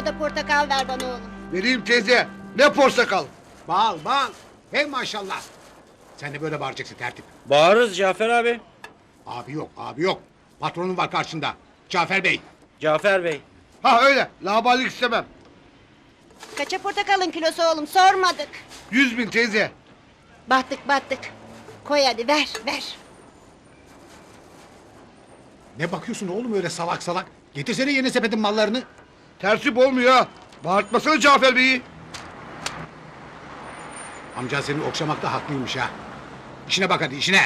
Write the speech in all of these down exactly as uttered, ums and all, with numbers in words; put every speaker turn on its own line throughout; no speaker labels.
kilo da portakal ver bana oğlum.
Vereyim teyze. Ne portakal?
Bal bal. Hey maşallah. Sen de böyle bağıracaksın tertip.
Bağırırız Cafer abi.
Abi yok abi yok. Patronun var karşında. Cafer Bey.
Cafer Bey.
Ha öyle. Laballik istemem.
Kaça portakalın kilosu oğlum sormadık.
Yüz bin teyze.
Battık battık. Koy hadi ver ver.
Ne bakıyorsun oğlum öyle salak salak? Getirsene yeni sepetin mallarını.
Tertip olmuyor ha. Bağırtmasana Cafer Bey'i.
Amca seni okşamakta haklıymış ha. İşine bak hadi işine.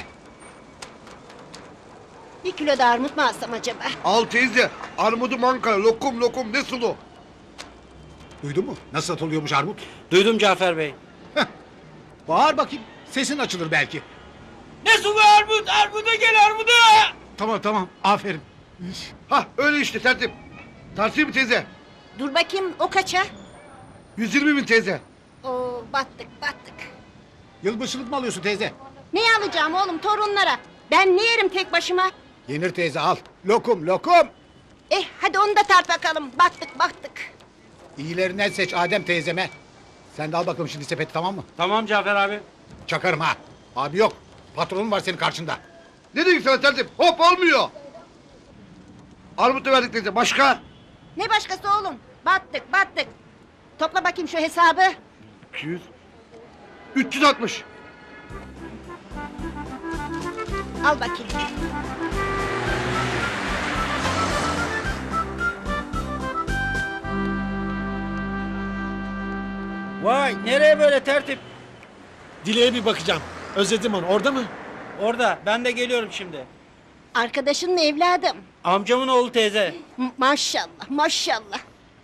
Bir kilo da armut mu alsam acaba?
Al teyze. Armudu Ankara. Lokum lokum ne sulu.
Duydun mu? Nasıl satılıyormuş armut?
Duydum Cafer Bey.
Bağır bakayım. Sesin açılır belki.
Ne sulu armut? Armuda gel armuda!
Tamam tamam aferin.
Ha öyle işte tertip. Tartayım mı teyze?
Dur bakayım o kaça?
Yüz yirmi bin teyze.
Oo battık battık.
Yılbaşılık mı alıyorsun teyze?
Ne alacağım oğlum torunlara? Ben ne yerim tek başıma?
Yenir teyze al. Lokum lokum.
Eh hadi onu da tart bakalım. Battık battık.
İyilerinden seç Adem teyzeme. Sen de al bakalım şimdi sepeti tamam mı?
Tamam Cafer abi.
Çakarım ha. Abi yok. Patronun var senin karşında.
Ne dedik sana tertip? Hop olmuyor. Armut da verdik teyze. Başka?
Ne başkası oğlum? Battık battık. Topla bakayım şu hesabı.
iki yüz. üç yüz altmış.
Al bakayım.
Vay nereye böyle tertip?
Dileğe bir bakacağım. Özledim onu. Orada mı?
Orada ben de geliyorum şimdi.
Arkadaşın mı evladım?
Amcamın oğlu teyze.
M- maşallah maşallah.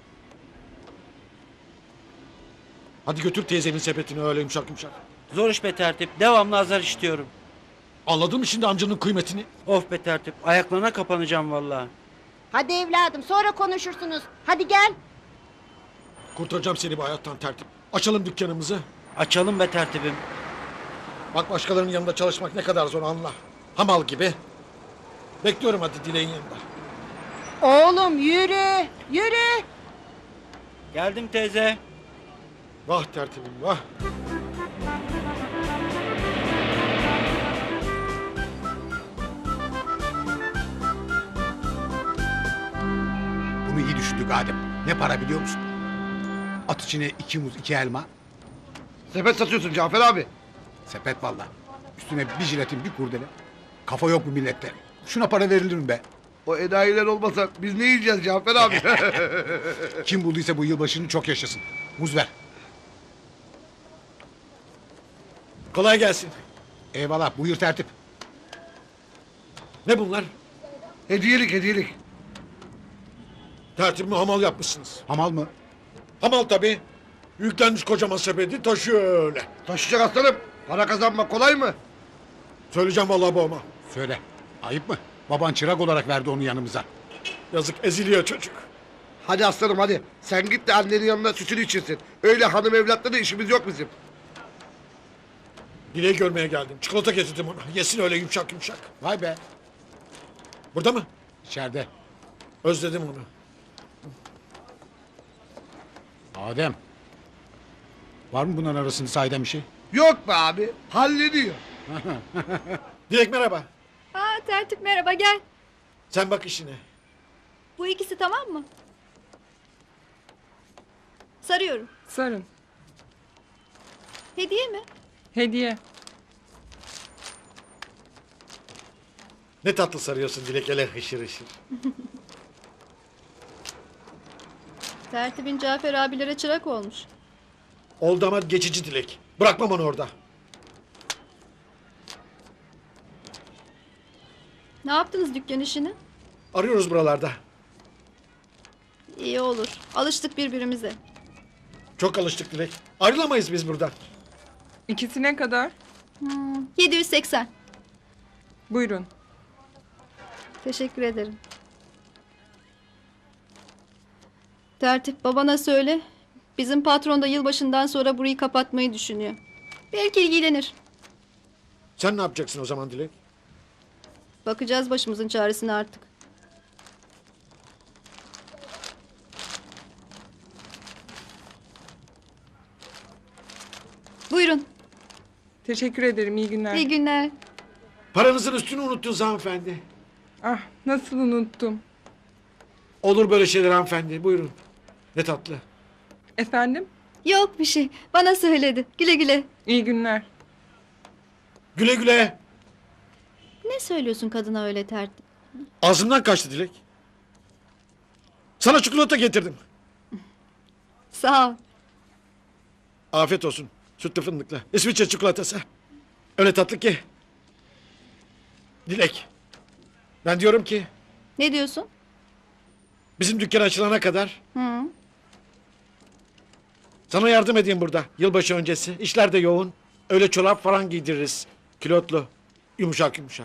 Hadi götür teyzemin sepetini öyle yumuşak yumuşak.
Zor iş be tertip. Devamlı azar işitiyorum.
Anladın mı şimdi amcanın kıymetini?
Of be tertip. Ayaklarına kapanacağım vallahi.
Hadi evladım sonra konuşursunuz. Hadi gel.
Kurtaracağım seni bu hayattan tertip. Açalım dükkanımızı.
Açalım be tertibim.
Bak başkalarının yanında çalışmak ne kadar zor anla. Hamal gibi. Bekliyorum hadi Dileğin yanında.
Oğlum yürü yürü.
Geldim teyze.
Vah tertibim vah.
Bunu iyi düşündük Adem. Ne para biliyor musun? At içine iki muz iki elma.
Sepet satıyorsun Cafer abi.
Sepet valla. Üstüne bir jiletin bir kurdele. Kafa yok bu millette. Şuna para verilir mi be?
O enayiler olmasa biz ne yiyeceğiz Cafer abi?
Kim bulduysa bu yılbaşını çok yaşasın. Muz ver.
Kolay gelsin.
Eyvallah buyur tertip.
Ne bunlar?
hediyelik hediyelik.
Tertibimi hamal yapmışsınız.
Hamal mı?
Hamal tabii. Yüklenmiş kocaman sepeti taşıyor öyle.
Taşıyacak aslanım. Para kazanmak kolay mı?
Söyleyeceğim vallahi babama.
Söyle. Ayıp mı? Baban çırak olarak verdi onu yanımıza.
Yazık eziliyor çocuk.
Hadi aslanım hadi. Sen git de annenin yanına sütünü içirsin. Öyle hanım evlatla da işimiz yok bizim.
Dileği görmeye geldim. Çikolata getirdim ona. Yesin öyle yumuşak yumuşak.
Vay be.
Burada mı?
İçeride.
Özledim onu.
Adem. Var mı bunların arasında sahiden bir şey?
Yok be abi. Hallediyor.
Dilek merhaba.
Aa tertip merhaba gel.
Sen bak işine.
Bu ikisi tamam mı? Sarıyorum.
Sarın.
Hediye mi?
Hediye.
Ne tatlı sarıyorsun Dilek hele hışır hışır.
Tertibin Cafer abilere çırak olmuş.
Oldu ama geçici Dilek. Bırakmam onu orada.
Ne yaptınız dükkan işini?
Arıyoruz buralarda.
İyi olur. Alıştık birbirimize.
Çok alıştık Dilek. Ayrılamayız biz buradan.
İkisine kadar.
Hmm, yedi yüz seksen.
Buyurun.
Teşekkür ederim. Tertip babana söyle. Bizim patron da yılbaşından sonra burayı kapatmayı düşünüyor. Belki ilgilenir.
Sen ne yapacaksın o zaman Dilek?
Bakacağız başımızın çaresine artık. Buyurun.
Teşekkür ederim. İyi günler.
İyi günler.
Paranızın üstünü unuttunuz hanımefendi.
Ah, nasıl unuttum.
Olur böyle şeyler hanımefendi. Buyurun. Ne tatlı.
Efendim?
Yok bir şey. Bana söyledi. Güle güle.
İyi günler.
Güle güle.
Ne söylüyorsun kadına öyle tertip?
Ağzımdan kaçtı Dilek. Sana çikolata getirdim.
Sağ ol.
Afiyet olsun. Sütlü fındıklı. İsviçre çikolatası. Öyle tatlı ki. Dilek. Ben diyorum ki
Ne diyorsun?
bizim dükkan açılana kadar
Hı.
sana yardım edeyim burada. Yılbaşı öncesi. İşler de yoğun. Öyle çorap falan giydiririz. Kilotlu. Yumuşak yumuşak.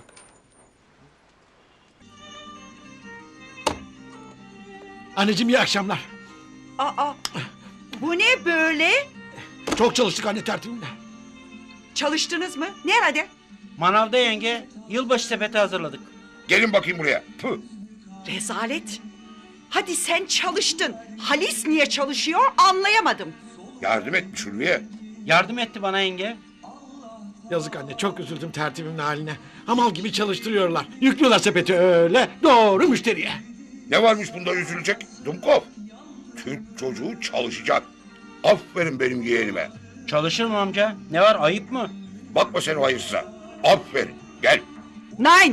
Anneciğim iyi akşamlar.
Aa, bu ne böyle?
Çok çalıştık anne tertibimle.
Çalıştınız mı? Nerede?
Manavda yenge. Yılbaşı sepeti hazırladık.
Gelin bakayım buraya. Püh.
Rezalet. Hadi sen çalıştın. Halis niye çalışıyor anlayamadım.
Yardım etmiş Ulviye.
Yardım etti bana yenge.
Yazık anne çok üzüldüm tertibimin haline. Hamal gibi çalıştırıyorlar. Yüklüyorlar sepeti öyle doğru müşteriye.
Ne varmış bunda üzülecek? Dumkov. Türk çocuğu çalışacak. Aferin benim yeğenime.
Çalışır mı amca? Ne var, ayıp mı?
Bakma sen o hayırsıza. Aferin. Gel.
Nine.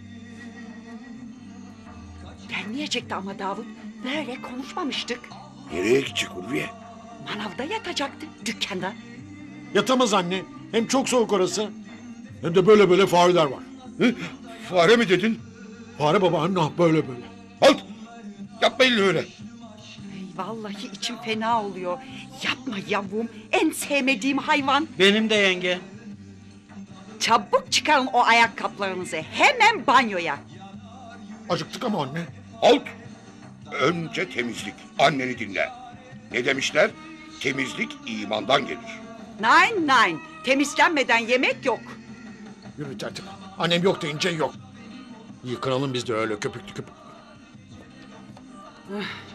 Gelmeyecekti ama Davut. Böyle konuşmamıştık.
Nereye gidecek Ulviye?
Manavda yatacaktı dükkanda.
Yatamaz anne. Hem çok soğuk orası. Hem de böyle böyle fareler var.
Hı? Fare mi dedin?
Fare baba anne böyle böyle.
Halt. Yapma elini öyle.
Ay, vallahi içim fena oluyor. Yapma yavrum. En sevmediğim hayvan.
Benim de yenge.
Çabuk çıkarın o ayakkabılarınızı. Hemen banyoya.
Acıktık ama anne.
Halt. Önce temizlik. Anneni dinle. Ne demişler? Temizlik imandan gelir.
Nine nine. Temizlenmeden yemek yok.
Yürü tertip. Annem yok deyince yok. Yıkanalım biz de öyle köpüklü köpüklü.